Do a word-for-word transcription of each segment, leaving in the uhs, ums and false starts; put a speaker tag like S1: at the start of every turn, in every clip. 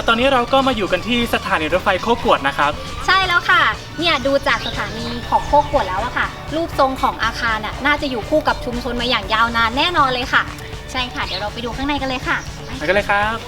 S1: ตอนนี้เราก็มาอยู่กันที่สถานีรถไฟโคกวดนะครับ
S2: ใช่แล้วค่ะเนี่ยดูจากสถานีของโคกวดแล้วอะค่ะรูปทรงของอาคารน่ะน่าจะอยู่คู่กับชุมชนมาอย่างยาวนานแน่นอนเลยค่ะใช่ค่ะเดี๋ยวเราไปดูข้างในกันเลยค่ะ
S1: ไปกันเลยครับ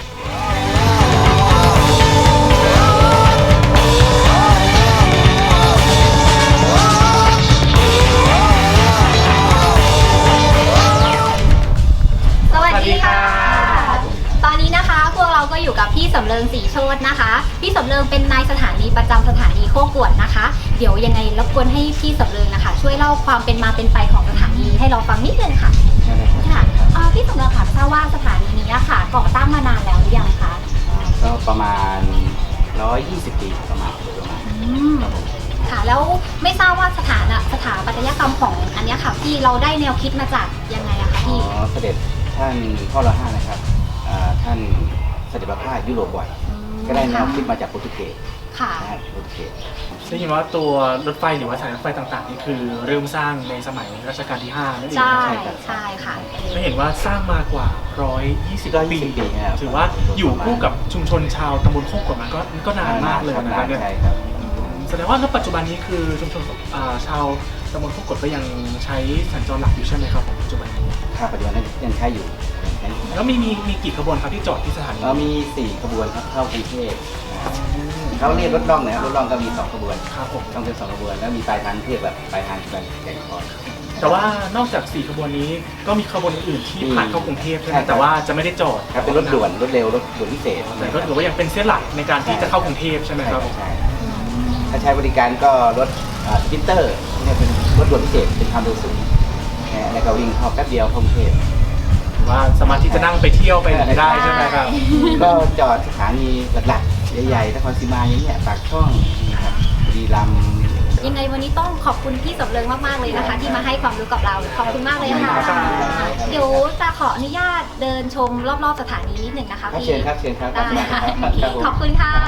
S2: สวัสดีค่ะตอนนี้นะคะพวกเราก็อยู่กับพี่สำเริงศรีโชตินะคะพี่สำเริงเป็นนายสถานีประจำสถานีโคกวดนะคะเดี๋ยวยังไงรบกวนให้พี่สำเริงนะคะช่วยเล่าความเป็นมาเป็นไปของสถานีให้เราฟังนิดนึงค่ะค่ะพี่สำเริงค่ะทราบว่าสถานีนี้ค่ะก่อตั้งมานานแล้วหรือยังคะ
S3: ก็ประมาณหนึ่งร้อยยี่สิบปีประมาณประมาณ
S2: ค่ะแล้วไม่ทราบว่าสถานะสถาปัตยกรรมของอันนี้ค่ะพี่เราได้แนวคิดมาจากยังไงอะคะพี่
S3: อ๋อเสด็จท่านพ่อรอห้านะครับท่านเสด็จประพาสยุโรปบ่อยก็ได้แนวคิดมาจากโปรตุเกส
S2: ค่ะ
S3: โปรตุเกส
S1: ได้ยินว่าตัวรถไฟหรือว่าสายรถไฟต่างๆนี่คือเริ่มสร้างในสมัยรัชกาลที่ห้านั่นเอง
S2: ใช่ใช่ค่ะ
S1: ไม่เห็นว่าสร้างมากว่าหนึ่งร้อยยี่สิบปีถือว่าอยู่คู่กับชุมชนชาวตำบลโคกวดมันก็ก็นานมากเลยนะครับ
S3: ใช่ครับ
S1: แสดงว่าณปัจจุบันนี้คือชุมชนชาวตำบลโคกวดก็ยังใช้สัญจรหลักอยู่ใช่ไหมครับปัจจุบันนี้
S3: ค่ะปัจจุบันยังใช้อยู่
S1: แล้วมีมีมีกี่ขบวนครับที่จอดที่สถานี
S3: เรามีสี่ขบวนครับเข้ากรุงเทพเขาเรียกรถล่องนะครับรถล่องก็มีสองขบวน
S1: ครับผม
S3: ต้องเป็นสองขบวนแล้วมีปลายทางเทียบแบบปลายทางแบบแก่งคอย
S1: แต่ว่านอกจากสี่ขบวนนี้ก็มีขบวนอื่นที่ผ่านเข้ากรุงเทพใช่ไหมแต่ว่าจะไม่ได้จอด
S3: ครับเป็นรถด่วนรถเร็วรถด่วนพิเศษ
S1: แต่ก็ถือว่ายังเป็นเส้นหลักในการที่จะเข้ากรุงเทพใช่ไหมครับ
S3: ใช่ถ้าใช้บริการก็รถสปินเตอร์เนี่ยเป็นรถด่วนพิเศษเป็นความเร็วสูงแล้วก็วิ่งเข้าแป๊บเดียวเข้ากรุงเทพ
S1: ว่าสามารถที่จะนั่งไปเที่ยวไปไหนได้ใช่ไหมครับ
S3: ก็จอดสถานีหลักๆใหญ่ๆนครศรีมาอย่างเงี้ยปากช่องครับบุรีรัมย์
S2: ยังไงวันนี้ต้องขอบคุณพี่สำเริงมากๆเลยนะคะที่มาให้ความรู้กับเราขอบคุณมากเลยค่ะเดี๋ยวจะขออนุญาตเดินชมรอบๆสถานีนิดหนึ่งนะคะพี่
S3: เชิญครับเชิญครับ
S2: ขอบคุณค่ะ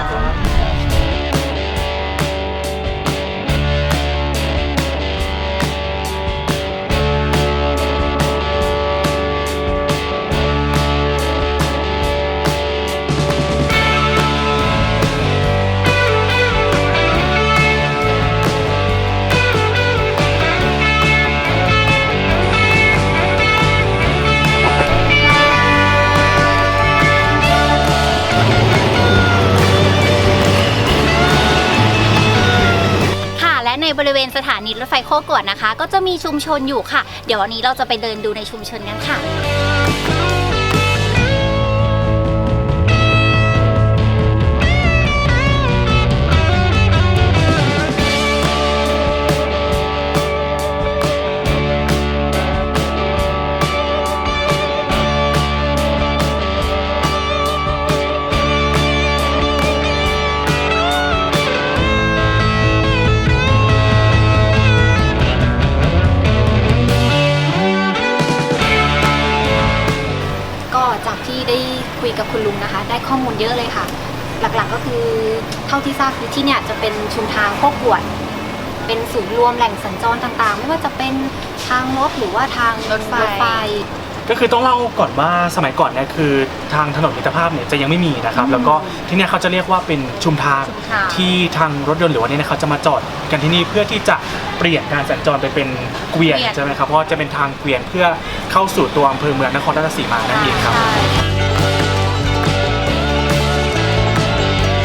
S2: ในบริเวณสถานีรถไฟโคกวดนะคะก็จะมีชุมชนอยู่ค่ะเดี๋ยววันนี้เราจะไปเดินดูในชุมชนกันค่ะคุยกับคุณลุงนะคะได้ข้อมูลเยอะเลยค่ะหลักๆก็คือเท่าที่ทราบคือที่เนี่ยจะเป็นชุมทางโคกวดเป็นศูนย์รวมแหล่งสัญจรต่างๆไม่ว่าจะเป็นทางรถหรือว่าทางรถไฟ
S1: ก็คือต้องเล่าก่อนว่าสมัยก่อนเนี่ยคือทางถนนมิตรภาพเนี่ยจะยังไม่มีนะครับแล้วก็ที่นี่เขาจะเรียกว่าเป็นชุมทางที่ทางรถยนต์หรือว่านี่เขาจะมาจอดกันที่นี่เพื่อที่จะเปลี่ยนการสัญจรไปเป็นเกวียนใช่ไหมครับเพราะจะเป็นทางเกวียนเพื่อเข้าสู่ตัวอำเภอเมืองนครราชสีมานั่นเองครับ